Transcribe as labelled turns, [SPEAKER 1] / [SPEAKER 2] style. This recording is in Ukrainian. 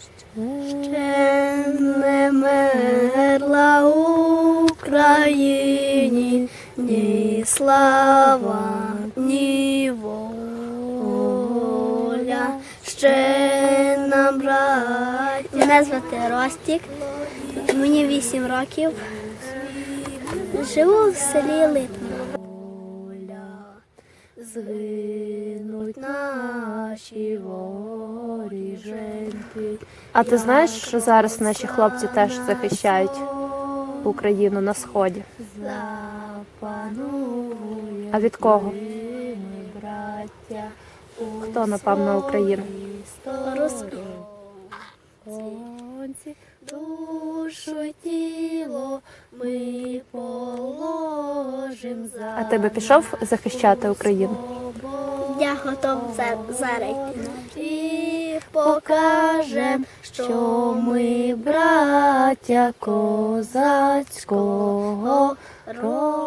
[SPEAKER 1] Ще не мерла Україні ні слава, ні воля. Ще нам, браття. Мене звати Ростік, мені 8 років. Живу в селі Литва. Згинуть наші воріженьки.
[SPEAKER 2] А ти знаєш, що зараз наші хлопці теж захищають Україну на Сході? А від кого? Хто напав на Україну?
[SPEAKER 1] Русські. Душу й тіло ми положим за.
[SPEAKER 2] А ти би пішов захищати Україну?
[SPEAKER 1] Я готов зараз йти. І покажем, що ми браття козацького роду.